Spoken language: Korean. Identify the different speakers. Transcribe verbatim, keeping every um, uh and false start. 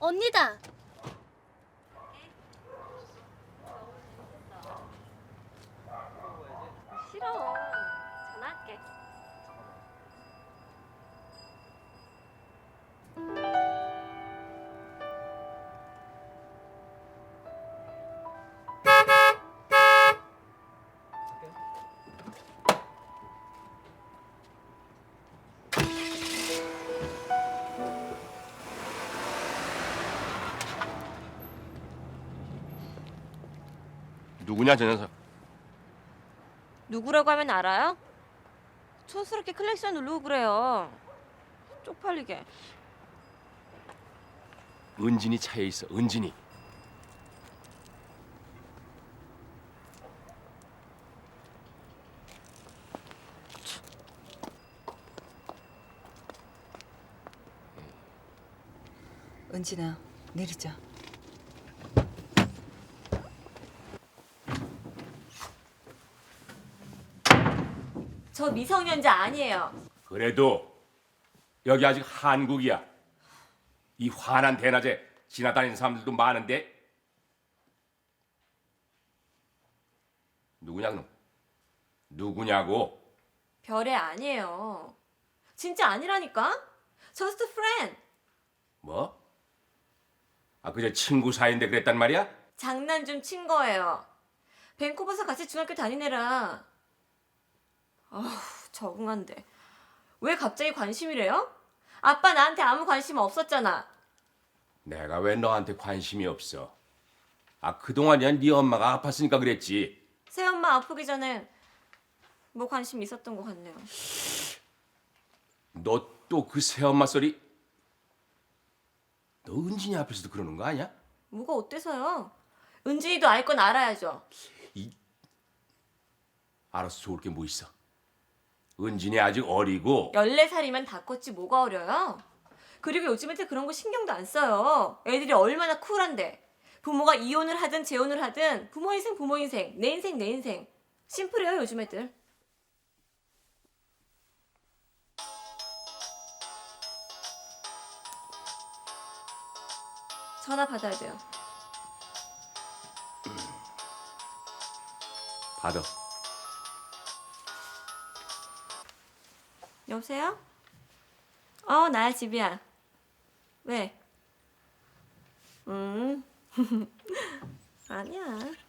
Speaker 1: 언니다.
Speaker 2: 싫어. 전화할게.
Speaker 3: 누구냐 저 녀석?
Speaker 2: 누구라고 하면 알아요? 촌스럽게 클렉션 누르고 그래요. 쪽팔리게.
Speaker 3: 은진이 차에 있어. 은진이.
Speaker 4: 은진아, 내리자.
Speaker 2: 저 미성년자 아니에요.
Speaker 3: 그래도 여기 아직 한국이야. 이 환한 대낮에 지나다니는 사람들도 많은데 누구냐 그럼? 누구냐고?
Speaker 2: 별애 아니에요. 진짜 아니라니까? Just a friend.
Speaker 3: 뭐? 아 그저 친구 사이인데 그랬단 말이야?
Speaker 2: 장난 좀 친 거예요. 밴쿠버에서 같이 중학교 다니느라. 아휴, 적응한데. 왜 갑자기 관심이래요? 아빠 나한테 아무 관심 없었잖아.
Speaker 3: 내가 왜 너한테 관심이 없어? 아 그동안이야 네 엄마가 아팠으니까 그랬지.
Speaker 2: 새엄마 아프기 전엔 뭐 관심 있었던 것 같네요.
Speaker 3: 너 또 그 새엄마 소리? 너 은진이 앞에서도 그러는 거 아니야?
Speaker 2: 뭐가 어때서요? 은진이도 알 건 알아야죠.
Speaker 3: 알아서 좋을 게 뭐 있어? 은진이 아직 어리고
Speaker 2: 열네 살이면 다 컸지 뭐가 어려요? 그리고 요즘 애들 그런 거 신경도 안 써요. 애들이 얼마나 쿨한데. 부모가 이혼을 하든 재혼을 하든 부모 인생 부모 인생, 내 인생 내 인생. 심플해요 요즘 애들. 전화 받아야 돼요.
Speaker 3: 받아.
Speaker 2: 여보세요? 어, 나야 집이야. 왜? 음, 아니야.